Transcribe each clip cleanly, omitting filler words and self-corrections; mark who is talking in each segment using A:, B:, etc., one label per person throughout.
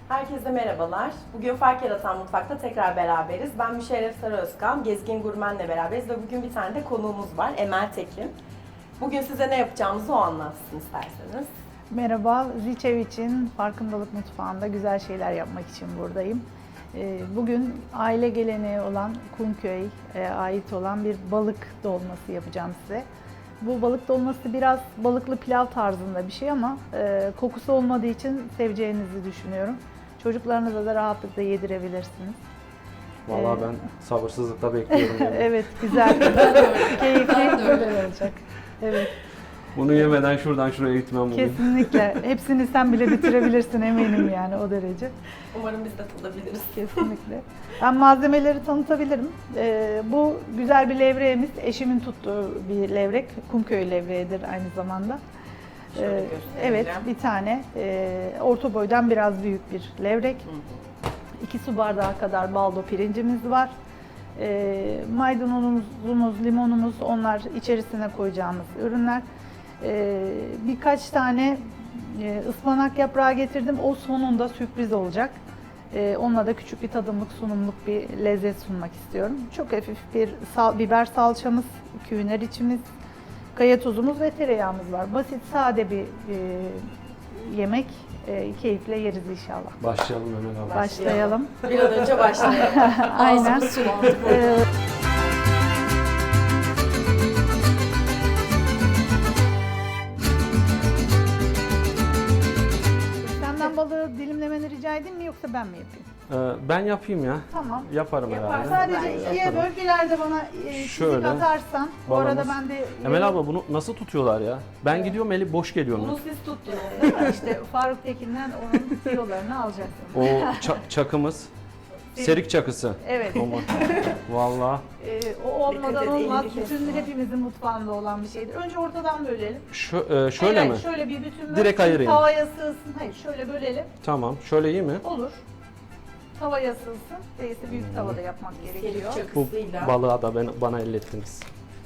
A: Herkese merhabalar. Bugün Fark Yaratan Mutfak'ta tekrar beraberiz. Ben Müşerref Sarıözkan, Gezgin Gurmen'le beraberiz ve bugün bir tane de konuğumuz var, Emel Tekin. Bugün size ne yapacağımızı o anlatsın isterseniz.
B: Merhaba, Ziçev için Farkındalık Mutfağı'nda güzel şeyler yapmak için buradayım. Bugün aile geleneği olan Kumköy'e ait olan bir balık dolması yapacağım size. Bu balık dolması biraz balıklı pilav tarzında bir şey ama kokusu olmadığı için seveceğinizi düşünüyorum. Çocuklarınıza da rahatlıkla yedirebilirsiniz.
C: Vallahi ben sabırsızlıkla bekliyorum. Yani.
B: Evet, güzel, keyifli böyle olacak. Evet.
C: Bunu yemeden şuradan şuraya gitmem bugün.
B: Kesinlikle. Hepsini sen bile bitirebilirsin eminim yani o derece.
A: Umarım biz de tadabiliriz.
B: Kesinlikle. Ben malzemeleri tanıtabilirim. Bu güzel bir levreğimiz. Eşimin tuttuğu bir levrek. Kumköy levreğidir aynı zamanda.
A: Şöyle göstereceğim.
B: Evet, bir tane orta boydan biraz büyük bir levrek. 2 su bardağı kadar baldo pirincimiz var. Maydanozumuz, limonumuz, onlar içerisine koyacağımız ürünler. Birkaç tane ıspanak yaprağı getirdim. O sonunda sürpriz olacak. Onunla da küçük bir tadımlık, sunumluk bir lezzet sunmak istiyorum. Çok hafif bir biber salçamız, küğüner içimiz, kaya tuzumuz ve tereyağımız var. Basit, sade bir yemek. Keyifle yeriz inşallah.
C: Başlayalım Emel abla.
B: Başlayalım.
A: Bir an önce başlayalım.
B: Aynen.
A: Ağzımız sulandı.
B: Senden balığı dilimlemeni rica edeyim mi yoksa ben mi yapayım?
C: Ben yapayım ya.
B: Tamam.
C: Yaparım
A: Yaparsın.
C: herhalde.
B: Sadece ikiye
C: Yaparım.
B: böl, ileride bana çizik
C: Şöyle,
B: atarsan. Bu arada
C: balımız.
B: ben de...
C: Emel abla bunu nasıl tutuyorlar ya? Ben gidiyorum eli boş geliyorum.
A: Bunu siz tuttunuz.
B: İşte Faruk Tekin'den onun tiyolarını alacaksın.
C: O çakımız. Serik çakısı.
B: Evet.
C: Aman. Vallahi.
B: O olmadan
A: Dikkat et,
B: olmaz.
A: elini
B: Bütün
A: kesme.
B: hepimizin mutfağında olan bir şeydir. Önce ortadan bölelim.
C: Şöyle
B: Hayır,
C: mi?
B: Şöyle bir bütün böl.
C: Direkt ayırayım.
B: Tavaya sığsın. Hayır, şöyle bölelim.
C: Tamam. Şöyle iyi mi?
B: Olur. Tavaya sığsın. Değilse büyük tavada yapmak gerekiyor.
A: Selik
C: Bu
A: çakısıyla.
C: balığa da bana ellettiniz.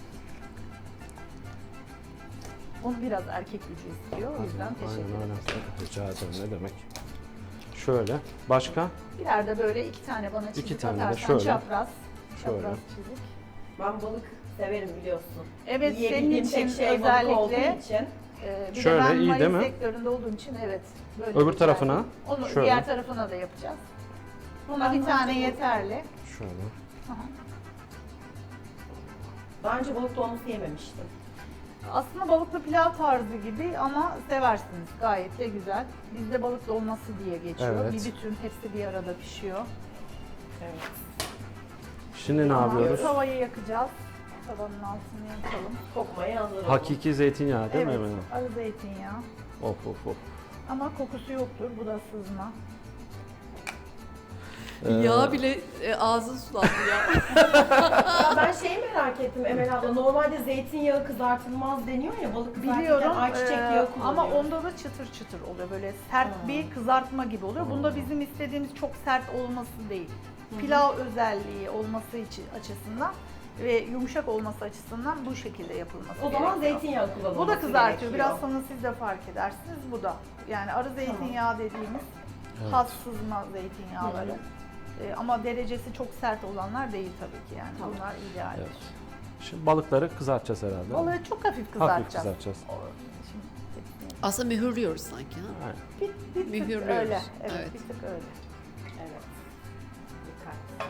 B: Onu biraz erkek gücü istiyor. O yüzden teşekkür ederim.
C: Rica ederim ne demek. Şöyle. Başka?
B: Birer de böyle 2 tane bana çizik
C: İki tane de
B: atarsan
C: şöyle.
B: çapraz.
C: Şöyle.
B: Çapraz çizik.
A: Ben balık severim biliyorsun.
B: Evet, senin
A: Yiyebildiğim
B: için
A: tek şey balık olduğu
B: özellikle.
A: için.
B: Bir de
C: Şöyle,
B: ben
C: iyi değil
B: Mayıs
C: mi?
B: sektöründe olduğum için evet. Böyle
C: Öbür
B: güzel.
C: tarafına
B: Onu
C: şöyle.
B: diğer tarafına da yapacağız. Buna bir tane yeterli.
C: Şöyle.
A: Daha önce balık dolması yememiştim.
B: Aslında balıklı pilav tarzı gibi ama seversiniz. Gayet de güzel. Bizde balık dolması diye geçiyor.
C: Evet.
B: Bir bütün hepsi bir arada pişiyor.
A: Evet.
C: Şimdi ne
B: Tamam,
C: yapıyoruz?
B: Tavayı yakacağız. Tavanın altını yakalım.
A: Kokmaya hazır olun.
C: Hakiki zeytinyağı değil mi
B: Evet,
C: Emel abla?
B: arı zeytinyağı.
C: Of of of.
B: Ama kokusu yoktur. Bu da sızma.
D: Yağ bile ağzın sulandı ya.
A: Ya ben şeyi merak ettim Emel abla. Normalde zeytinyağı kızartılmaz deniyor ya balık kızartırken
B: Biliyorum
A: ayçiçek yağı kullanıyor.
B: ama onda da çıtır çıtır oluyor. Böyle sert bir kızartma gibi oluyor. Bunda bizim istediğimiz çok sert olması değil. Pilav özelliği olması için açısından ve yumuşak olması açısından bu şekilde yapılması
A: O zaman
B: gerekiyor.
A: zeytinyağı kullanılması
B: Bu da kızartıyor.
A: gerekiyor.
B: Biraz sonra siz de fark edersiniz. Bu da. Yani arı zeytinyağı dediğimiz has sızma zeytinyağları. Ama derecesi çok sert olanlar değil tabii ki yani.
A: Tamam.
B: Bunlar idealdir.
C: Evet. Şimdi balıkları kızartacağız herhalde.
B: Balığı çok hafif kızartacağız.
C: Hafif kızartacağız.
B: Şimdi hepsini
D: Aslında mühürlüyoruz sanki. Ha?
C: Aynen.
B: bir tık
D: Mühürlüyoruz.
B: öyle. Evet,
D: Evet.
B: bir tık öyle.
A: Evet. Dikkat.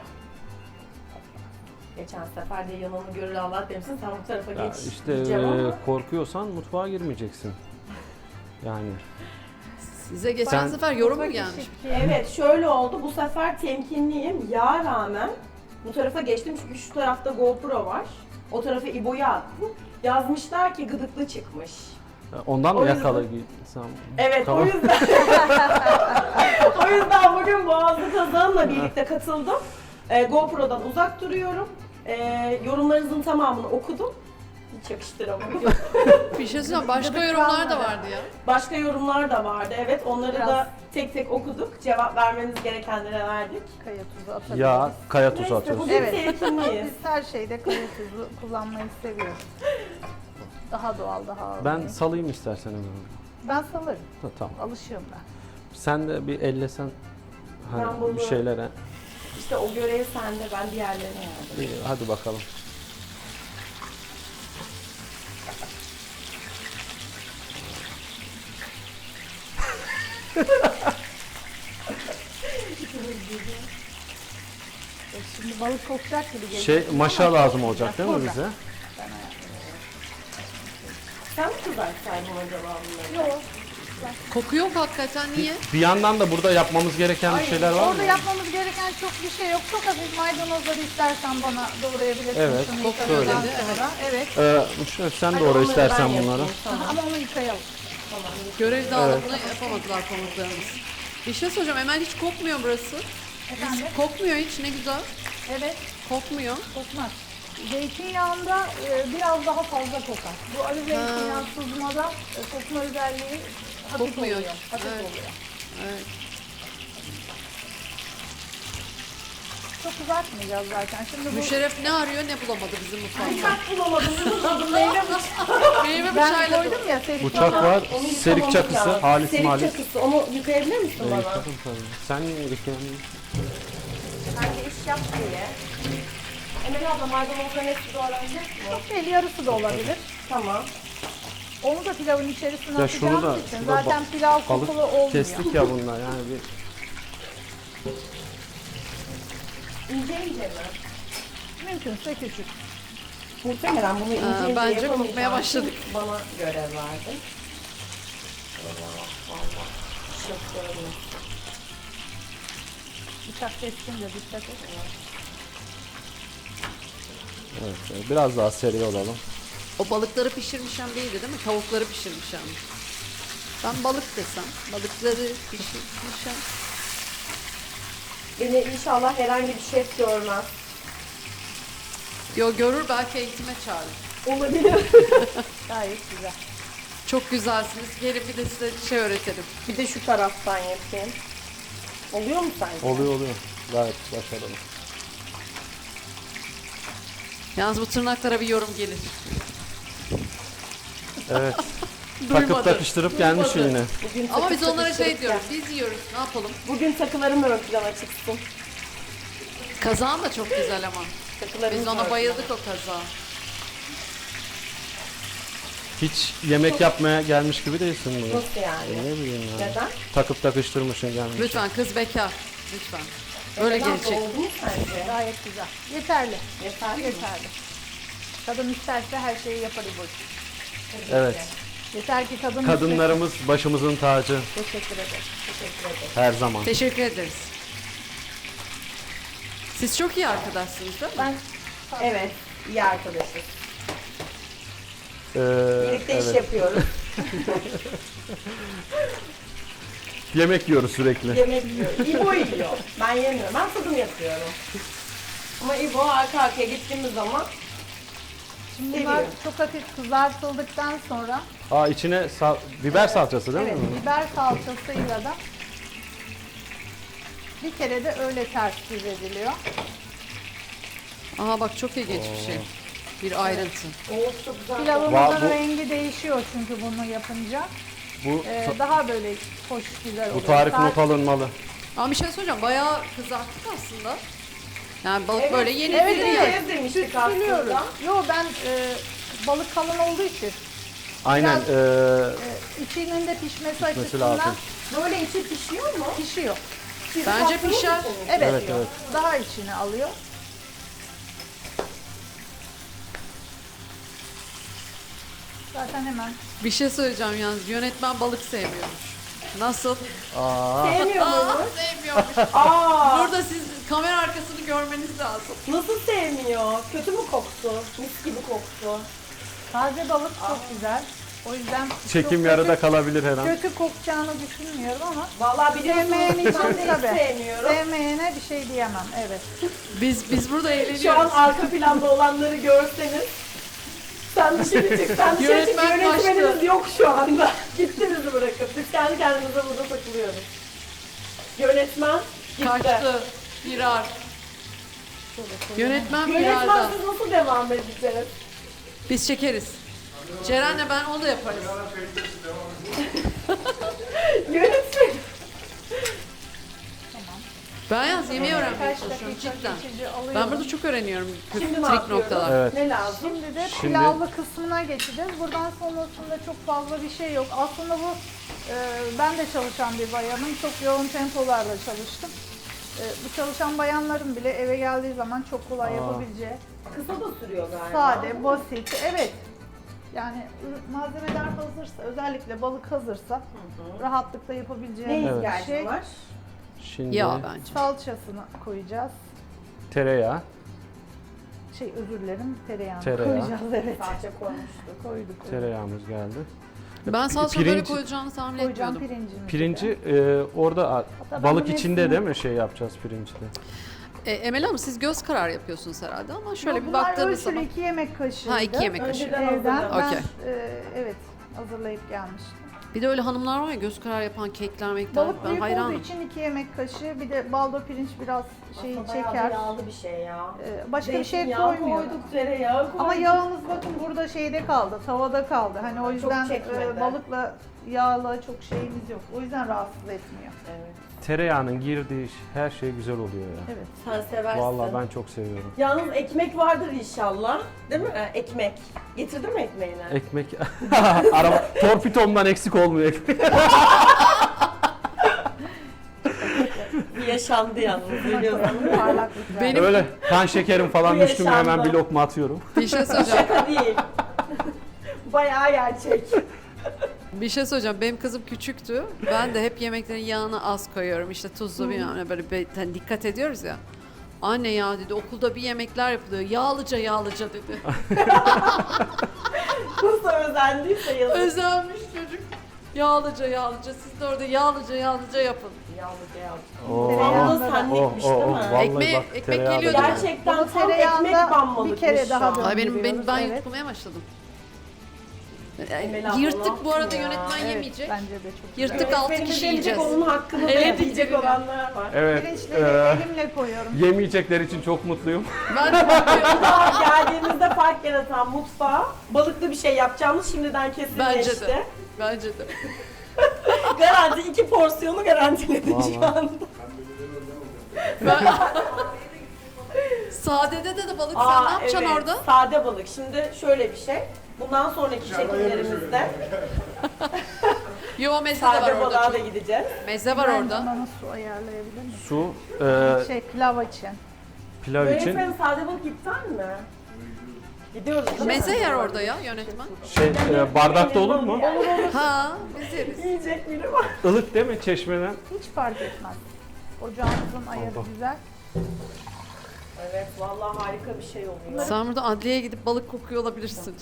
A: Geçen sefer de yanını görür Allah demişsin. Sen bu tarafa
C: Ya
A: geç
C: işte
A: diyeceğim ama.
C: korkuyorsan mutfağa girmeyeceksin. Yani
D: Size geçen
C: Sen-
D: sefer yorum mu
B: Ufak
D: gelmiş?
B: işi-
A: Evet şöyle oldu. Bu sefer temkinliyim. Yağa rağmen bu tarafa geçtim çünkü şu tarafta GoPro var. O tarafa İbo'yu attım. Yazmışlar ki gıdıklı çıkmış.
C: ondan
A: O
C: mı
A: yüzden-
C: yakalaysam?
A: Evet
C: Tamam.
A: o yüzden. O yüzden bugün Boğazlı Kazan'la birlikte katıldım. GoPro'dan uzak duruyorum. Yorumlarınızın tamamını okudum. Hiç yakıştıramadım.
D: Bir şey söyleyeyim, başka yorumlar da vardı ya.
A: Başka yorumlar da vardı. Evet onları
B: Biraz-
A: da tek tek okuduk. Cevap vermeniz gerekenlere verdik.
B: Kaya tuzu atabiliriz.
C: Ya kaya tuzu
A: Neyse
C: atıyorsun.
A: bugün
B: Evet.
A: temkinliyiz.
B: Biz her şeyde kaya tuzu kullanmayı seviyoruz. Daha doğal, daha
C: Ben
B: organik.
C: salayım istersen Emel abla.
B: Ben salarım.
C: Tamam.
B: Alışığım ben.
C: Sen de bir ellesen
A: Ben
C: hani
A: bunu-
C: bir şeylere.
A: İşte o görev sende, ben diğerlerine yardım.
C: İyi, hadi bakalım.
B: Şimdi balık kokacak gibi geliyor.
C: Şey maşa lazım olacak değil mi bize?
A: Sen mi kızartsaydın acaba bunları?
B: Yok.
D: Koku yok hakikaten, niye?
C: Bir yandan da burada yapmamız gereken bir şeyler var mı?
B: Orada yapmamız gereken çok bir şey yok. Çok hafif maydanozları istersen bana doğrayabilirsin.
C: Evet,
B: Şunu
D: çok
B: yıkadıktan
D: öyle.
B: sonra. Evet.
C: Sen
A: Hadi
C: doğru
A: onları
C: istersen
A: ben
C: bunları.
A: yapayım, tamam.
B: Ama onu yıkayalım.
D: Görev dağılımını yapamadılar konuklarımız. Bir şey soracağım, Emel hiç kokmuyor burası.
B: Efendim?
D: Kokmuyor hiç, ne güzel.
B: Evet.
D: Kokmuyor.
B: Kokmaz. Zeytinyağında biraz daha fazla kokar. Bu arı zeytinyağı sızmada kokma özelliği hafif
D: Kokmuyor.
B: oluyor. Hafif
D: Evet.
B: oluyor.
D: Evet.
B: Çok uzatmayacağız zaten. Şimdi bu
D: Müşerref ne arıyor ne bulamadı bizim mutfakta.
A: Bıçak bulamadım, bulamadım. Meyve
D: Meyve
B: ben
D: bıçağıyla
B: koydum ya serik
C: Bıçak var,
A: Onu
C: serik
A: yıkamamız
C: çakısı,
A: lazım.
C: halis
A: Serik
C: malis.
A: çakısı, onu yıkayabilir misin bana?
C: Yıkadım tabii. Sen yıkayalım.
A: Bence iş yap diye. Emel abla maydanozların hepsi doğranacak mı?
B: değil, yarısı da olabilir.
A: Tamam.
B: Onu da pilavın içerisine
C: Ya şunu da
B: atacağımız için
C: şurada
B: zaten pilav kokulu
C: balık
B: olmuyor.
C: kestik ya bunlar yani bir
A: İnce ince mi?
B: Mümkünse küçük.
A: Muhtemelen bunu ince ince
D: bence
A: yapamayacağım.
D: kokmaya başladık.
A: Bana görev verdin. Vallahi şoförüm.
B: Bıçak keskince dikkat et.
C: evet, biraz daha seri olalım.
D: O balıkları pişirmişem değildi değil mi? Tavukları pişirmişem. Ben balık desem. Balıkları pişirmişem.
A: Beni inşallah herhangi bir şef görmez.
D: Yo, görür, belki eğitime çağırır.
A: Olabilir.
B: Gayet güzel.
D: Çok güzelsiniz. Gelin bir de size şey öğretelim.
A: Bir de şu taraftan yapayım. Oluyor mu sence?
C: Oluyor. Gayet başarılı.
D: Yalnız bu tırnaklara bir yorum gelir.
C: Evet. Takıp
D: Duymadı.
C: takıştırıp gelmiş
D: Duymadı.
C: yine.
A: Bugün
D: Ama
A: takı
D: biz onlara şey
A: takıştırıp
D: diyoruz.
A: gel.
D: Biz yiyoruz. Ne yapalım?
A: Bugün takılarım ön plana çıksın.
D: Kazağın da çok güzel ama.
A: Takılarım
D: Biz ona bayıldık o kazağa.
C: Hiç yemek yapmaya gelmiş gibi değilsin bugün.
A: Nasıl yani?
C: Ne bileyim ya.
A: Neden?
C: Takıp takıştırmışsın gelmiş.
D: Lütfen, kız bekar. Lütfen. Böyle
A: Neden?
D: gelecek.
A: Oldu mu sence?
B: Gayet güzel. Yeterli.
A: Yeterli mi?
B: Yeterli. Kadın isterse her şeyi yapar bu.
C: Evet.
B: Yeter ki kadın
C: Kadınlarımız başımızın tacı
A: Teşekkür ederim. Teşekkür ederim.
C: her zaman.
D: Teşekkür ederiz. Siz çok iyi arkadaşsınız değil mi?
A: Ben evet, iyi arkadaşız. Birlikte iş
C: Evet.
A: yapıyoruz.
C: Yemek yiyoruz sürekli.
A: Yemek yiyoruz. İbo yiyor. Ben yemiyorum. Ben tadım yapıyorum. Ama İbo arka arkaya gittiğimiz zaman
B: Bunlar
A: seviyor.
B: çok hafif kızartıldıktan sonra
C: Aa içine biber salçası değil
A: Evet.
C: mi?
B: biber salçasıyla da bir kere de öyle ters yüz ediliyor.
D: Aha bak, çok ilginç bir şey. Bir ayrıntı.
A: o çok güzel.
B: Pilavımızın
C: bu-
B: rengi değişiyor çünkü bunu yapınca.
C: Bu
B: Daha böyle hoş, güzel oluyor.
C: bu tarif
B: Sadece-
C: not alınmalı.
D: Ama bir şey söyleyeceğim. Bayağı kızarttık aslında. Yani balık
A: Evet,
D: böyle yeni
B: Evet,
D: yeni
B: evet.
D: yani.
A: demiştik
B: Süslüyoruz.
A: aslında.
B: Yo ben balık kalın olduğu için
C: Aynen.
B: Biraz- içinin de pişmesi açısından
C: lazım.
A: Böyle içi pişiyor mu?
B: pişiyor.
A: Siz
D: Bence
A: tattınız
D: pişer.
A: mı?
B: Evet,
C: Evet, evet.
B: daha içine alıyor. Zaten hemen
D: Bir şey söyleyeceğim yalnız. Yönetmen balık sevmiyormuş. Nasıl?
A: Sevmiyor
D: Aa,
A: mu?
D: sevmiyormuş.
A: Aa,
D: Burada siz kamera arkasını görmeniz lazım.
A: nasıl sevmiyor? Kötü mü koktu? Mis gibi koktu.
B: taze balık çok güzel. O yüzden
C: Çekim
B: çok
C: yarıda
B: kötü,
C: kalabilir her an.
B: kötü kokacağını düşünmüyorum ama
A: Vallahi biliyorsunuz
B: sevmeyen
A: ben
B: için
A: de hiç
B: tabii.
A: sevmiyorum.
B: Sevmeyene bir şey diyemem. Evet.
D: Biz burada
A: Şu an
D: eğleniyoruz.
A: arka planda olanları görseniz. Sen dışarı çık, sen dışarı çık.
D: Yönetmen
A: Yönetmenimiz
D: kaçtı.
A: yok şu anda. Gitti bizi bırakıp. Biz kendi kendimize burada takılıyoruz. Yönetmen gitti.
D: Kaçtı. Firar. Yönetmen
A: Yönetmen
D: firarda.
A: siz nasıl devam edeceğiz?
D: Biz çekeriz. Ceren'le ben o da yaparız.
A: Yönetmen.
D: Ben yalnız yemeği öğrenmeye
B: Birkaç
D: çalışıyorum
B: dakika
D: cidden.
B: geçici alıyorum.
D: Ben burada çok öğreniyorum
A: Şimdi ne
D: trik
A: yapıyoruz?
D: noktalar.
C: Evet.
A: Ne lazım?
B: Şimdi de
C: Şimdi-
B: pilavlı kısmına geçeceğiz. Buradan sonrasında çok fazla bir şey yok. Aslında bu ben de çalışan bir bayanım. Çok yoğun tempolarla çalıştım. Bu çalışan bayanların bile eve geldiği zaman çok kolay yapabileceği,
A: Kısa da sürüyor galiba.
B: sade, basit. Evet. Yani malzemeler hazırsa, özellikle balık hazırsa rahatlıkla
A: Ne
B: yapabileceğimiz
C: Evet.
A: ihtiyacın
B: şey.
A: var?
C: Şimdi
D: Ya bence.
B: Salçasını koyacağız.
C: tereyağı,
B: Özür dilerim, tereyağını
C: Tereyağı.
B: koyacağız. Evet.
A: Salça koymuştuk.
B: Koyduk.
C: tereyağımız geldi.
D: Ben salça böyle
C: Pirinç-
D: koyacağını tahmin
B: Koyacağım
D: etmiyordum.
B: pirincimizi.
C: Pirinci orada
B: ben
C: balık
B: bunun
C: içinde
B: hepsini-
C: değil mi şey yapacağız pirinçle?
D: Emel Hanım siz göz karar yapıyorsunuz herhalde ama şöyle
B: Yok,
D: bir
B: bunlar
D: baktığınız
B: ölçülü
D: zaman.
B: 2 yemek kaşığı.
D: Ha 2 yemek kaşığı.
A: Önceden
B: Evden ben
D: Okey.
B: evet hazırlayıp gelmiştim.
D: Bir de öyle hanımlar var ya göz karar yapan kekler mekler.
B: Balık
D: Ben
B: büyük
D: hayranım.
B: olduğu için 2 yemek kaşığı, bir de baldo pirinç biraz şeyi
A: Aslında bayağı
B: çeker.
A: da yağlı bir şey ya.
B: Başka bir şey
A: Zeytinyağı
B: koymuyoruz.
A: koyduk, tereyağı koyduk.
B: Ama yağımız bakın burada şeyde kaldı, tavada kaldı. Hani o yüzden
A: çekmedi.
B: balıkla yağla çok şeyimiz yok. O yüzden rahatsız etmiyor.
A: Evet.
C: Tereyağının girdiği her şey güzel oluyor ya.
B: Evet.
A: Sen seversin.
C: Vallahi ben çok seviyorum.
A: Yalnız ekmek vardır inşallah. Değil mi? Ekmek. Getirdin mi ekmeğini?
C: Ekmek, araba, torpidomdan eksik olmuyor ekmek.
A: Bir yaşandı yalnız biliyorsun.
B: Parlaklık
D: Benim-
C: Öyle kan şekerim falan
A: Bu
C: düştü mü hemen
A: yaşandı.
C: bir lokma atıyorum.
D: Bir şey söyleyeceğim.
A: Şaka değil. Bayağı gerçek.
D: Bir şey söyleyeceğim. Benim kızım küçüktü. Ben de hep yemeklerin yağını az koyuyorum. İşte tuzlu bilmem ne böyle hani dikkat ediyoruz ya. Anne ya dedi okulda bir yemekler yapılıyor. Yağlıca yağlıca dedi.
A: Nasıl özendiyse yazık.
D: Özenmiş çocuk. Yağlıca yağlıca. Siz de orada yağlıca yağlıca yapın.
A: Yalnız ya.
C: Oo.
A: Tam da senlikmiş değil mi?
C: Vallahi
D: Ekmeği-
C: bak,
D: ekmek
C: tereyağı da
D: geliyor
C: güzel.
D: değil mi?
A: Gerçekten
B: Bunu
A: tam ekmek
B: tereyağında
A: banmalıkmış
B: bir kere
A: şu
B: daha
A: an.
B: dön-
D: Ay ben
B: Döndürüyoruz, evet.
D: yutmaya başladım.
A: Emel abla, ne
D: Yırttık bu arada
A: yaptın ya?
D: yönetmen
B: Evet,
D: yemeyecek.
B: bence de çok güzel.
D: Yırttık 6
A: Öğretmenimiz
D: kişi
A: yemeyecek,
D: yiyeceğiz.
A: onun hakkını da
D: Evet,
A: yiyecek
D: yiyecek.
A: olanlar var.
C: Evet.
B: Pirinçleri elimle koyuyorum.
C: Yemeyecekler için çok mutluyum.
D: Ben de
A: Daha geldiğimizde fark yaratan mutfağa balıklı bir şey yapacağımız şimdiden
D: bence
A: kesinleşti.
D: de. Bence de.
A: Garanti 2 porsiyonu garantiledik şu
C: Vallahi.
A: anda.
D: Ben... Sadede de balık sen ne yapacaksın
A: evet,
D: orada?
A: Sade balık. Şimdi şöyle bir şey. Bundan sonraki çekimlerimizde
D: Yo meze de var
A: sade
D: orada.
A: balığa da
D: çok.
A: gideceğiz.
D: Meze var
B: Ben
D: orada.
B: bana su ayarlayabilir miyim?
C: Su,
B: Pilav için.
C: pilav için
A: Yönetmenim sade balık iptal mi? Gidiyoruz değil mi?
D: Meze yer orada ya yönetmen.
C: bardakta olur mu?
D: Ha biz yeriz.
A: Yiyecek biri var.
C: Ilık değil mi çeşmeden?
B: Hiç fark etmez. Ocağımızın ayarı
C: Allah.
B: güzel.
A: Evet vallahi harika bir şey oluyor.
D: Sen burada adliyeye gidip balık kokuyor olabilirsin.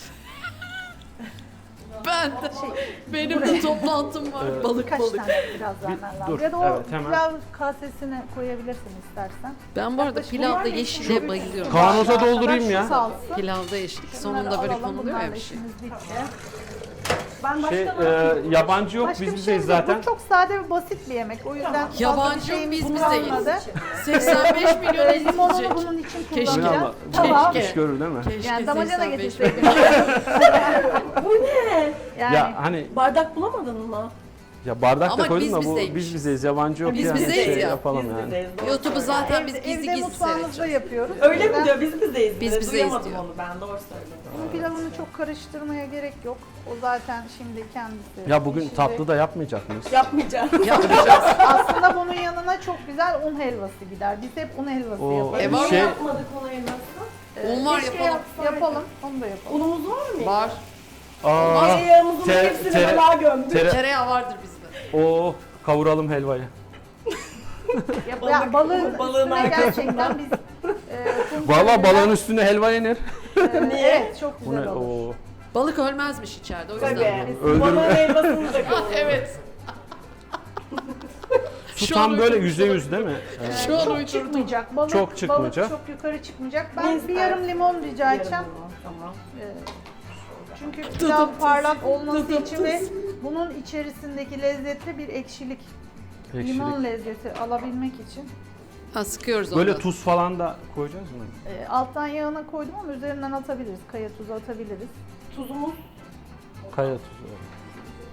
D: Ben de. Benim de toplantım var. Balık
B: Birkaç
D: balık.
B: tane biraz vermen lazım.
C: dur,
B: Ya da o
C: evet, hemen.
B: pilav kasesine koyabilirsin istersen.
D: Ben bu arada
B: Yaklaşık
D: pilavda
B: bunlar
D: yeşile
B: geçiyor.
D: bayılıyorum.
C: Kavanoza doldurayım ya.
B: Salsı.
D: Pilavda yeşillik.
B: Bunları
D: Sonunda böyle
B: alalım,
D: konuluyor ya
B: bunlarla
D: bir şey.
B: işimiz bitti.
A: Ben başka
C: Şey,
A: ne yapayım?
C: yabancı yok
B: Başka
C: biz
B: bir
C: bizeyiz
B: şey yok.
C: zaten.
B: Bu çok sade ve basit bir yemek. O yüzden fazla
D: Yabancı
B: bir
D: yok,
B: şeyimiz
D: biz bizeyiz.
B: kalmadı.
D: 85 milyon
B: Limonunu
D: izleyecek.
B: bunun için
D: Keşke.
B: kullanacağız.
C: Allah,
B: Tamam.
D: Keşke.
C: iş görür değil mi?
D: Keşke
B: Yani damacana
D: 85
B: getirseydin.
A: Bu ne?
B: Yani
C: Ya hani
A: Bardak bulamadın mı?
C: ya bardak
D: Ama
C: da koydum
D: biz
C: da bu
D: bizeymişiz.
C: biz bizeyiz yabancı yok
D: Biz
C: yani
D: bizeyiz
C: şey
D: ya.
C: yapalım
A: Biz
C: yani.
A: bizeyiz, doğru
D: YouTube'u
A: söylüyorsun.
D: zaten biz gizli
B: evde
D: gizli
B: mutfağımızda
D: seyredeceğiz.
B: yapıyoruz.
A: Öyle
B: O yüzden
A: mi diyor? Biz bizeyiz.
D: Biz
A: diyor.
D: bizeyiz
A: Duyamadım
D: diyor.
A: onu ben. Doğru söyledim.
B: Bunun pilavını çok karıştırmaya gerek yok. O zaten şimdi kendisi.
C: Ya bugün
B: pişecek.
C: tatlı da yapmayacak mıyız?
A: Yapmayacağım.
D: Yapacağız.
B: Aslında bunun yanına çok güzel un helvası gider. Biz hep un helvası
C: O-
B: yaparız.
D: var mı?
C: şey
A: Yapmadık onu elmasla.
D: Un var
B: Keşke
D: yapalım.
B: Yapalım. Onu da yapalım.
A: Unumuz var mı?
D: Var.
C: aa,
A: Tereyağımızın
C: Te-
A: hepsini
C: tere-
A: balığa gömdük.
D: Tereyağı vardır bizde.
C: o kavuralım helvayı.
B: Ya balığın
A: balığın
B: üstüne
A: arkasında.
B: gerçekten biz
C: Vallahi balığın üstüne helva yenir.
A: Niye?
B: Evet çok
C: Bu
B: güzel
C: ne?
B: olur.
C: O
D: Balık ölmezmiş içeride o yüzden.
A: Tabii.
C: Öldürme.
A: Balığın helvasını da koyalım.
D: Evet.
C: su
D: Şu
C: tam
D: an
C: böyle
D: uydurmuş
C: %100 değil mi?
D: Şu an
B: Çok
D: uydurdum.
B: çıkmayacak. Balık,
C: Çok çıkmayacak.
B: Balık çok yukarı çıkmayacak.
A: Ne
B: Ben bir
A: istersin?
B: yarım limon rica edeceğim.
A: Tamam.
B: Çünkü pilav parlak olması için ve bunun içerisindeki lezzetli bir ekşilik, limon
C: Ekşilik.
B: lezzeti alabilmek için
D: Ha sıkıyoruz onu.
C: Böyle tuz falan da koyacağız mı?
B: alttan yağına koydum ama üzerinden atabiliriz. Kaya tuzu atabiliriz.
A: Tuzumuz.
C: Kaya tuzu.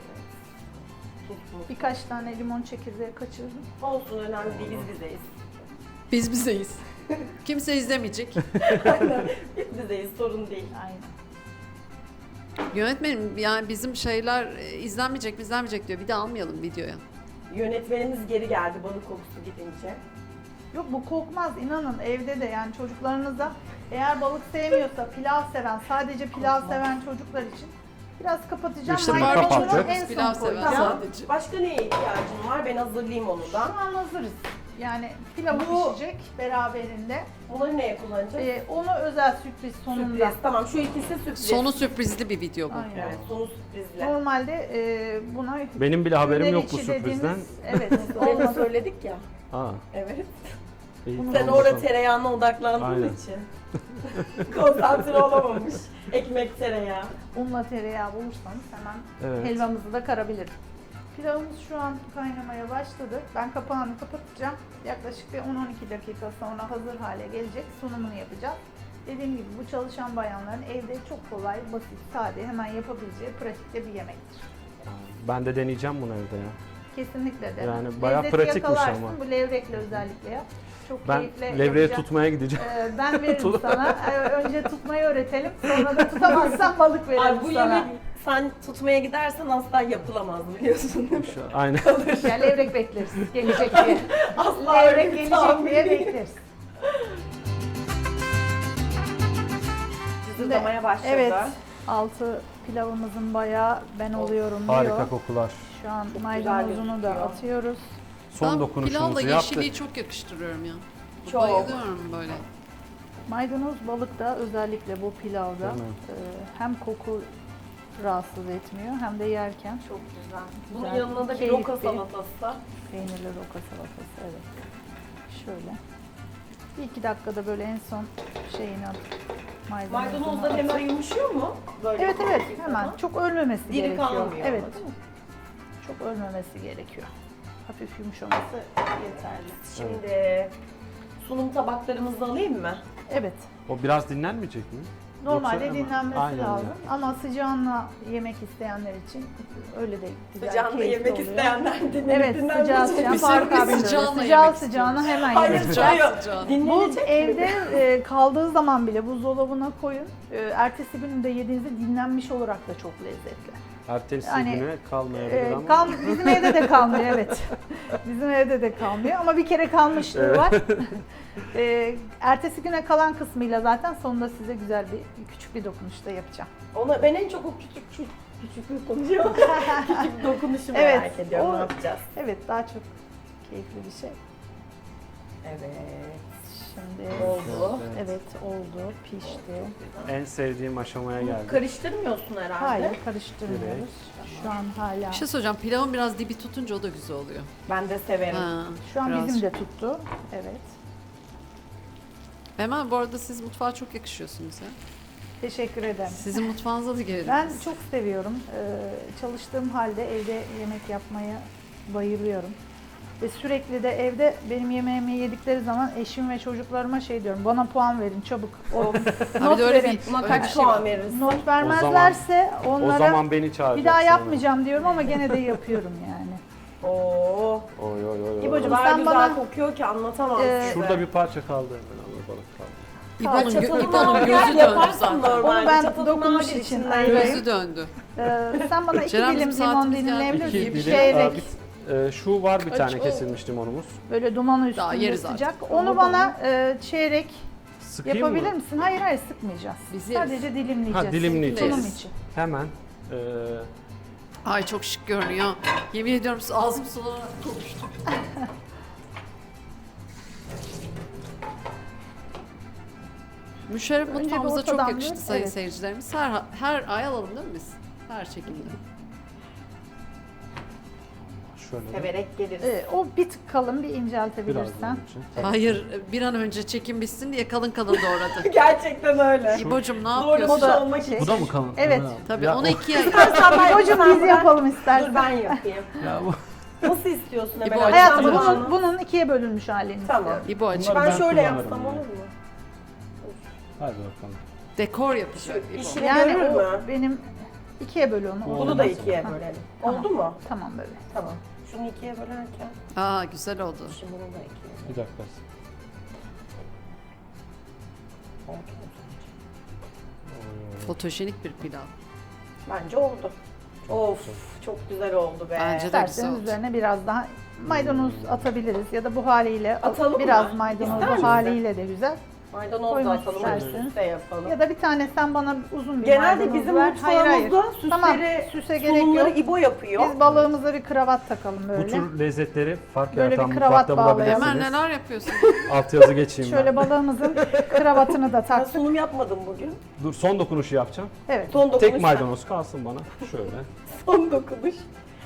B: Birkaç tane limon çekirdeği kaçırdım.
A: Olsun önemli değil biz bizeyiz.
D: Biz bizeyiz. Kimse izlemeyecek.
A: Aynen. Biz bizeyiz, sorun değil.
B: Aynen.
D: Yönetmenim yani bizim şeyler izlenmeyecek mi izlenmeyecek diyor. Bir de almayalım videoya.
A: Yönetmenimiz geri geldi balık kokusu gidince.
B: Yok bu kokmaz inanın evde de yani çocuklarınıza eğer balık sevmiyorsa pilav seven sadece pilav seven çocuklar için biraz kapatacağım.
C: İşte
B: Maydanozu
C: kapattık.
B: en
D: Pilav
B: son
D: seven
B: koyacağım.
D: sadece.
A: Başka neye ihtiyacın var? Ben hazırlayayım onu da.
B: Şu an hazırız. Yani pilavı
A: Bu-
B: pişecek beraberinde.
A: Bunları neye kullanacağız?
B: Onu özel sürpriz sonunda.
A: Sürpriz. Tamam, şu ikisi sürpriz.
D: Sonu sürprizli bir video bu.
B: Aynen.
A: Evet, sonu sürprizle.
B: Normalde buna
C: Benim bile haberim
B: günler
C: yok bu
B: içi
C: sürprizden.
B: dediğimiz- Evet.
A: Onu da
B: olmadı.
A: söyledik ya.
C: Aa,
A: Evet.
C: iyi,
A: Sen
C: tamam,
A: orada
C: tamam.
A: tereyağına odaklandığın
C: Aynen.
A: için. Konsantre olamamış. Ekmek tereyağı.
B: Unla tereyağı bulursanız hemen
C: Evet.
B: helvamızı da karabiliriz. Pilavımız şu an kaynamaya başladı. Ben kapağını kapatacağım. Yaklaşık bir 10-12 dakika sonra hazır hale gelecek. Sunumunu yapacağız. Dediğim gibi bu çalışan bayanların evde çok kolay, basit, sade, hemen yapabileceği pratikte bir yemektir.
C: Ben de deneyeceğim bunu evde ya.
B: Kesinlikle de.
C: Yani bayağı
B: Lezzeti
C: pratikmiş
B: yakalarsın,
C: ama.
B: bu levrekle özellikle yap. Çok
C: Ben
B: keyifle
C: levreye
B: yapacağım.
C: tutmaya gideceğim.
B: Ben veririm sana. Önce tutmayı öğretelim. Sonra da tutamazsan balık veririm
A: Ay bu
B: sana.
A: yemek sen tutmaya gidersen asla yapılamaz biliyorsun değil mi?
C: Aynen.
B: Ya levrek bekleriz. Gelecek diye.
A: Asla
B: Levrek
A: öyle bir
B: gelecek
A: tahmin
B: diye
A: değil.
B: bekleriz.
A: Cızırdamaya başladı.
B: Evet. Altı pilavımızın bayağı ben oluyorum diyor.
C: Harika kokular.
B: Şu an
A: güzel
B: maydanozunu da
A: gözüküyor.
B: atıyoruz.
C: Son
D: Ben
C: dokunuşumuzu
D: pilavla
C: yaptık.
D: yeşiliği çok yakıştırıyorum ya.
A: Çok.
D: Bayılıyorum böyle.
B: Maydanoz balık da özellikle bu pilavda
C: Değil mi?
B: hem koku rahatsız etmiyor hem de yerken
A: Çok güzel. Bunun
B: Güzel,
A: yanına da bir
B: keyifli.
A: roka salatası.
B: peynirli roka salatası evet. Şöyle. Bir iki dakikada böyle en son şeyini atıp maydanozunu
A: Maydanozlar
B: atıp-
A: hemen yumuşuyor mu? Böyle
B: Evet evet
A: bir
B: hemen
A: zaman.
B: çok ölmemesi
A: Diri
B: gerekiyor.
A: kalmıyor
B: Evet.
A: ama, değil mi?
B: Çok ölmemesi gerekiyor. Hafif yumuşaması yeterli.
A: Şimdi sunum tabaklarımızı alayım mı?
B: Evet.
C: O biraz dinlenmeyecek mi?
B: Normalde
C: Yoksa hemen-
B: dinlenmesi
C: Aynen
B: lazım
C: öyle.
B: ama sıcağınla yemek isteyenler için öyle de güzel,
A: Sıcağında
B: keyifli
A: yemek
B: oluyor.
A: isteyenler dinlenip
B: Evet sıcağı sıcağı
D: Biz
B: fark
D: hepimiz
B: abi.
D: sıcağınla
B: Sıcağı
D: yemek
B: sıcağına hemen
A: Hayır,
B: yemek.
D: Sıcağı
A: hayır.
D: sıcağı.
B: Bu
A: Dinlenecek mi?
B: evde kaldığı zaman bile buzdolabına koyun. Ertesi gün de yediğinizde dinlenmiş olarak da çok lezzetli.
C: Ertesi
B: Yani,
C: güne kalmayabilir ama.
B: Bizim evde de kalmıyor evet. Bizim evde de kalmıyor ama bir kere kalmışlığı
C: Evet.
B: var. Ertesi güne kalan kısmıyla zaten sonunda size güzel bir küçük bir dokunuş da yapacağım.
A: Ona ben en çok o küçük bir konuşuyorum. küçük dokunuşu
B: Evet,
A: merak ediyorum.
B: o-
A: Ne yapacağız?
B: Evet daha çok keyifli bir şey.
A: Evet.
B: Şimdi
A: Oldu.
B: evet oldu, pişti.
C: En sevdiğim aşamaya geldik.
A: Karıştırmıyorsun herhalde.
B: Hayır karıştırmıyoruz. Şu an hala.
D: Bir şey söyleyeceğim. Pilavın biraz dibi tutunca o da güzel oluyor.
A: Ben de severim.
D: Ha,
B: Şu an
D: biraz.
B: bizim de tuttu. Evet.
D: Hemen bu arada siz mutfağa çok yakışıyorsunuz ya.
B: Teşekkür ederim.
D: Sizin mutfağınıza da gelelim.
B: Ben
D: biz.
B: çok seviyorum. Çalıştığım halde evde yemek yapmaya bayılıyorum. Ve sürekli de evde benim yemeğimi yedikleri zaman eşim ve çocuklarıma şey diyorum. Bana puan verin çabuk.
D: Ha,
B: Not
D: bir de öyle
B: verin.
A: Buna
D: öyle
A: kaç
D: bir şey
A: puan
D: var.
A: verirsin?
B: Not vermezlerse
C: O
B: onlara
C: zaman beni çağıracaksın.
B: bir daha yapmayacağım diyorum ama gene de yapıyorum yani.
A: Oo.
C: Oy oy oy.
A: O
B: İbocuğum,
A: kadar
B: sen
A: güzel
B: bana-
A: kokuyor ki anlatamam size.
C: Şurada bir parça kaldı hemen ama balık kaldı.
D: İbo'nun,
A: Çatalını
D: İbo'nun
A: al,
D: gözü
A: gel,
D: döndü
A: yaparsın
D: zaten.
A: normalde.
B: Onu ben
A: Çatalını
B: dokunuş
A: al,
B: için
A: içinden
B: ayırayım.
D: Gözü döndü.
B: Sen bana 2
D: Ceren,
B: dilim
D: bizim
B: limon
D: saatimiz geldi.
B: dilimleyebilir
C: İki
B: misin? Bir
C: dilim.
B: çeyrek.
C: Şu var bir
D: Aç,
C: tane
D: o-
C: kesilmiş limonumuz.
B: Böyle dumanı
D: Daha
B: üstünde
D: yeriz
B: sıcak.
D: artık.
B: Onu bana çeyrek
C: Sıkayım
B: yapabilir
C: mı?
B: misin? Hayır hayır sıkmayacağız.
D: Biz yeriz.
B: Sadece dilimleyeceğiz.
C: Ha, dilimleyeceğiz.
B: Sunum için.
C: Hemen.
D: Ay çok şık görünüyor. Yemin ediyorum ağzım sulanarak konuştum. Müşerref
B: Önce bir
D: mutfağımıza çok
B: ortadan
D: yakıştı
B: bir-
D: sayın
B: evet.
D: seyircilerimiz. Her ay alalım değil mi biz? Her çekimde.
C: Şöyle. de
A: Severek geliriz.
B: O bir tık kalın bir
C: Biraz
B: inceltebilirsen.
C: bunun için.
D: Hayır bir an önce çekim bitsin diye kalın kalın doğradı.
A: Gerçekten öyle.
D: İbo'cum ne
A: Doğru
D: yapıyorsun?
A: da olmak için.
C: Bu da mı kalın?
B: Evet.
C: Ha.
D: Tabii
C: Ya
D: onu
C: o-
D: ikiye
B: Hocam biz yapalım istersen.
A: Dur ben yapayım.
C: Ya bu.
A: Nasıl istiyorsun Emel?
D: İbo,
A: Hanım?
B: Hayatım
A: Tamam.
B: bunun ikiye bölünmüş halini
A: Tamam.
B: istiyorum.
D: İbo açık.
C: Bunları
A: Ben
C: ben
A: şöyle
C: kullanırım
A: yapsam
C: ya.
A: olur mu?
C: Hadi bakalım.
D: Dekor yapacak İbo.
A: İşini
B: Yani
A: görür
B: o
A: mü?
B: benim ikiye böl onu.
C: Bunu
A: Bunu
B: Olmaz.
A: da ikiye
B: Ha,
A: bölelim.
B: Tamam.
A: Oldu mu?
B: Tamam böyle.
A: Tamam. Şunu ikiye bölerken
D: Aa güzel oldu.
A: şimdi bunu da ikiye.
C: Bir dakika.
D: Fotojenik bir pilav.
A: Bence oldu. Of çok güzel oldu be.
D: Bence de güzel
B: İsterseniz
D: oldu.
B: üzerine biraz daha maydanoz atabiliriz ya da bu haliyle
A: Atalım
B: biraz
A: mı?
B: maydanoz
A: İster
B: bu
A: misin?
B: haliyle de güzel.
A: Maydanoz da
B: Koymak
A: atalım,
B: isterseniz.
A: üst de yapalım.
B: Ya da bir tane sen bana uzun bir
A: Genelde
B: maydanoz
A: bizim
B: ver.
A: mutfağımızda süsleri,
B: Tamam, süse gerek
A: sunumları
B: yok.
A: İbo yapıyor.
B: Biz balığımıza bir kravat takalım
C: Bu
B: böyle.
C: tür lezzetleri fark
B: Böyle
C: yaratan
B: bir kravat
C: mutfakta
B: bağlayalım.
D: Ömer
C: bulabilirsiniz.
D: neler yapıyorsun?
C: Altyazı geçeyim ben.
B: Şöyle balığımızın kravatını da
A: Ben
B: taktık.
A: sunum yapmadım bugün.
C: Dur son dokunuşu yapacağım.
B: Evet.
A: Son dokunuş.
C: Tek maydanoz kalsın bana. Şöyle.
A: Son dokunuş.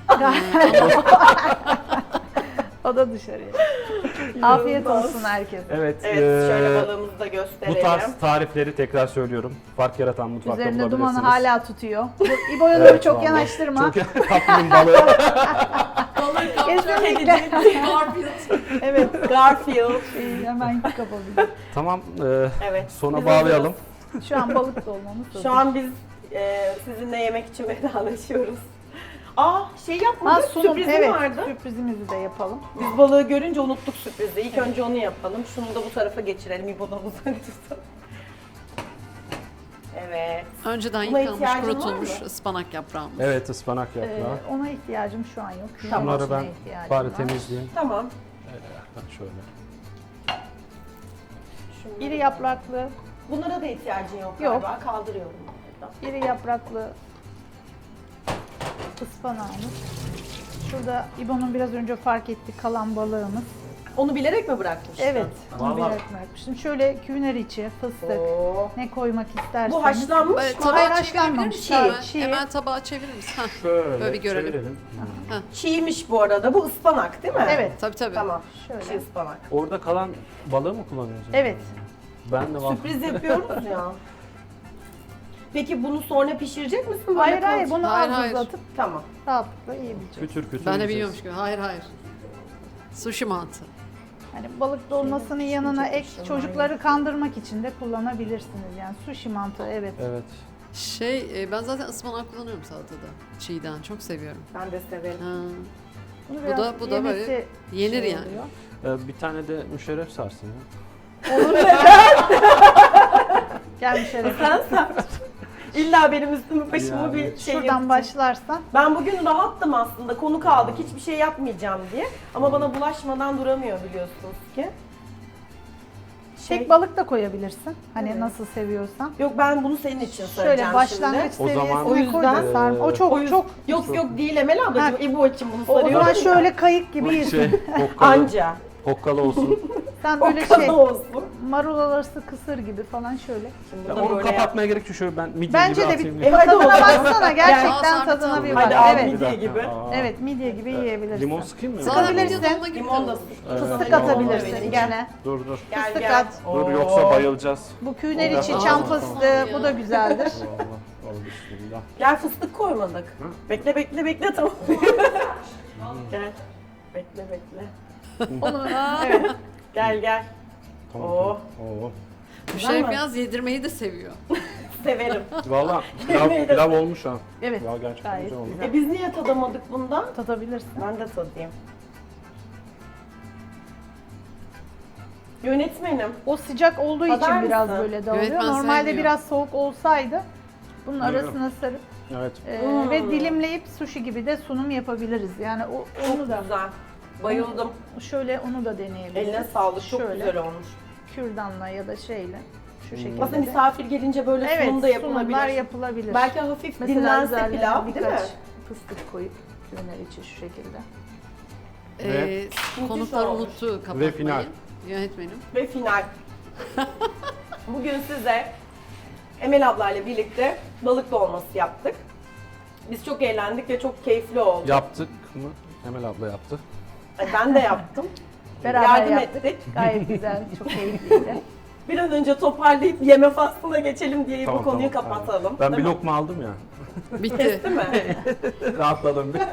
B: O da dışarıya. Afiyet olsun herkese.
C: Evet.
A: Evet, şöyle balığımızı da gösterelim.
C: Bu tarz tarifleri tekrar söylüyorum. Fark yaratan mutfakta
B: Üzerinde
C: bulabilirsiniz.
B: dumanı hala tutuyor. Bu İbo'ya
C: Evet,
B: doğru çok
C: vallahi.
B: yanaştırma.
C: Çok kaptım balığı.
D: Balık kapacağım.
B: Kesinlikle.
D: Garfield.
B: Evet.
A: Garfield.
B: İyi, hemen kapabilir.
C: Tamam.
A: Evet.
C: Sona
A: biz
C: bağlayalım.
B: Şu an balık dolmamız hazır.
A: Şu an biz sizinle yemek için vedalaşıyoruz. Aa şey
B: Ha,
A: yapmadık,
B: sunum,
A: sürprizim
B: evet,
A: vardı.
B: sürprizimizi de yapalım.
A: Biz balığı görünce unuttuk sürprizi. İlk önce onu yapalım. Şunu da bu tarafa geçirelim. İbo'dan uzak tutalım. Evet.
D: Önceden
A: Buna
D: yıkanmış,
A: ihtiyacın var
D: kurutulmuş
A: mı?
D: ıspanak yaprağımız.
C: Evet, ıspanak yaprağı.
B: Ona ihtiyacım şu an yok.
A: Tamam.
C: Bunları ben
B: İhtiyacım
C: bari
B: var.
C: temizleyeyim.
A: Tamam.
C: Bak şöyle.
A: Şunları-
B: İri yapraklı,
A: Bunlara da ihtiyacın yok
B: Yok.
A: galiba. Kaldırıyorum bunları da.
B: iri yapraklı ıspanağımız. Şurada İbo'nun biraz önce fark ettiği kalan balığımız.
A: Onu bilerek mi bırakmıştın?
B: Evet, onu
C: Vallahi-
B: bilerek bırakmıştım. Şöyle küner içi, fıstık,
A: Oo.
B: ne koymak isterseniz.
A: Bu haşlanmış
D: Böyle
A: mı?
D: tabağa
B: Hayır,
D: çevirebilir
B: haşlanmamış.
D: misin?
B: Çiğ,
D: Hemen,
B: çiğ.
D: hemen tabağa çevirir misin? Heh.
C: Şöyle
D: Böyle bir görelim.
C: çevirelim.
A: Çiğmiş bu arada. Bu ıspanak değil mi?
B: Evet,
D: Tabii tabii.
A: Tamam.
B: şöyle.
A: Çiğ ıspanak.
C: Orada kalan balığı mı kullanıyorsun?
B: Evet,
C: Ben de
A: Sürpriz yapıyoruz ya. Peki bunu sonra pişirecek misin? Böyle
B: hayır hayır
A: kalacak?
B: bunu
D: Hayır,
B: az
D: hayır.
B: uzatıp
A: Tamam.
B: rahatlıkla yiyebileceğiz.
C: kütür kütür
D: Ben de
C: yiyeceğiz.
D: biliyormuş gibi. Hayır hayır. Sushi mantı.
B: Hani balık dolmasının yanına ek çocukları kandırmak için de kullanabilirsiniz. Yani sushi mantığı evet.
C: Evet.
D: Ben zaten ıspanak kullanıyorum salatada. Çiğden çok seviyorum.
A: Ben de severim.
D: Ha.
B: Bunu
D: Bu
B: biraz
D: da böyle
B: yemesi
D: yenir
B: şey
D: yani.
B: oluyor.
C: Bir tane de müşerref sarsın ya.
B: Gel şöyle.
A: İlla benim üstümü başımı
C: Yani.
A: bir şey
B: Şuradan
A: yapacak.
B: başlarsan.
A: Ben bugün rahattım aslında. Konu kaldık. Hiçbir şey yapmayacağım diye. Ama bana bulaşmadan duramıyor biliyorsunuz ki.
B: Tek balık da koyabilirsin. Hani
A: Evet.
B: nasıl seviyorsan.
A: Yok ben bunu senin için söyleyeceğim
B: Şöyle başlangıç
A: şimdi.
C: O zaman-
B: seviyesine
A: O yüzden-
B: koy da sarma. O çok
A: O yüzden-
B: çok.
A: Yok yok değil Emel ablacığım.
B: Ha.
A: İbo için bunu
B: O
A: soruyorum.
B: zaman şöyle kayık gibi yesin.
C: Şey, hokkalı,
A: Anca.
C: hokkalı olsun.
B: Sen
A: O
B: böyle
A: kadar
B: şey
A: olsun.
B: marul arası kısır gibi falan şöyle.
A: Şimdi
C: Ya
A: bunu
C: onu
A: böyle
C: kapatmaya gerek yok. Şöyle ben midye
B: Bence
C: gibi
B: de
C: atayım.
B: bir
A: hadi
B: tadına
A: o zaman.
B: baksana gerçekten
D: Al,
B: tadına
D: sarma
B: bir
D: tadı.
B: bak.
A: Hadi al
B: Evet.
A: midye gibi.
B: Evet midye gibi yiyebilirsin.
C: Limon sıkayım mı?
D: Zaten
B: Sıkabilirsin.
D: midye dolma gibi
A: Limon da
D: olur.
B: Fıstık
C: Evet.
B: atabilirsin
A: Limon da
B: içine.
C: Dur dur.
A: Gel
B: Fıstık
A: gel.
B: at.
C: Dur
A: Oo.
C: yoksa bayılacağız.
B: Bu küner içi
C: Aa.
B: çam fıstığı bu da güzeldir.
C: Allah Allah bismillah.
A: Gel fıstık koymadık.
C: Hı?
A: Bekle bekle bekle tamam. Gel. Bekle bekle.
B: Onu evet.
A: Gel gel.
C: Tamam.
A: Oo.
C: Oo.
D: Müşerif
A: mi?
D: biraz yedirmeyi de seviyor.
A: Severim.
C: Valla pilav olmuş ha.
B: Evet.
C: Ya gerçekten
B: Gayet
C: güzel olmuş.
B: güzel.
A: Biz niye tadamadık bundan?
B: Tadabilirsin.
A: Ben de tadayım. Yönetmenim.
B: O sıcak olduğu için
A: Tadar
B: biraz
A: mısın?
B: böyle dağılıyor.
D: Evet, ben
B: Normalde
D: sevmiyorum.
B: biraz soğuk olsaydı bunun
C: Buyurun.
B: arasına sarıp
C: Evet.
B: ve dilimleyip sushi gibi de sunum yapabiliriz. Yani
A: Çok
B: onu da
A: güzel. Bayıldım.
B: şöyle onu da deneyebiliriz.
A: Eline sağlık. Çok
B: Şöyle,
A: güzel olmuş.
B: kürdanla ya da şeyle şu şekilde.
A: Aslında
B: de.
A: misafir gelince böyle
B: Evet,
A: sunum da yapılabilir.
B: sunumlar yapılabilir.
A: Belki hafif
B: Mesela
A: dinlense
B: üzerlerine
A: pilav değil mi?
B: birkaç fıstık koyup küner içi şu şekilde.
C: Ve
D: Konuklar
A: olmuş.
D: unuttu kapatmayı.
C: Ve final.
D: Yönetmenim.
A: Ve final. Bugün size Emel ablayla birlikte balık dolması yaptık. Biz çok eğlendik ve çok keyifli oldu.
C: yaptık mı? Emel abla yaptı.
A: Ben de yaptım.
B: Beraber
A: Yardım
B: yaptık.
A: ettik.
B: Gayet güzel, çok keyifliydi.
A: Bir an önce toparlayıp yeme faslına geçelim diye
C: Tamam,
A: bu konuyu
C: tamam,
A: kapatalım.
C: Ben bir
A: Değil mi?
C: lokma aldım ya.
D: Bitti.
A: Değil mi?
C: Rahatladım bir.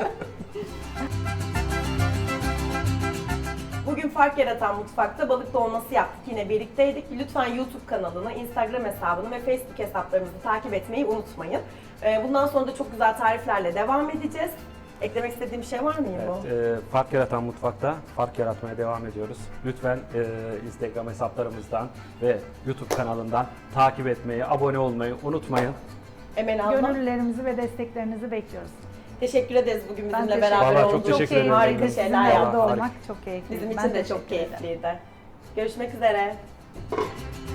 A: Bugün Fark Yaratan Mutfak'ta balık dolması yaptık. Yine birlikteydik. Lütfen YouTube kanalını, Instagram hesabını ve Facebook hesaplarımızı takip etmeyi unutmayın. Bundan sonra da çok güzel tariflerle devam edeceğiz. Eklemek istediğim bir şey var mı İbo?
C: Evet, Fark Yaratan Mutfak'ta fark yaratmaya devam ediyoruz. Lütfen Instagram hesaplarımızdan ve YouTube kanalından takip etmeyi, abone olmayı unutmayın.
A: Emel abla,
B: Gönüllülerimizi ve desteklerinizi bekliyoruz.
A: teşekkür ederiz bugün
B: Ben
A: bizimle
B: teşekkür
A: beraber
C: Vallahi çok
A: olduk.
C: teşekkür ederim.
A: Harika
B: Sizinle
A: şeyler
C: Vallahi
B: burada
A: yaptık.
B: olmak çok keyifli.
A: Bizim
B: Ben
A: için de
B: teşekkür
A: çok
B: ederim.
A: keyifliydi. Görüşmek üzere.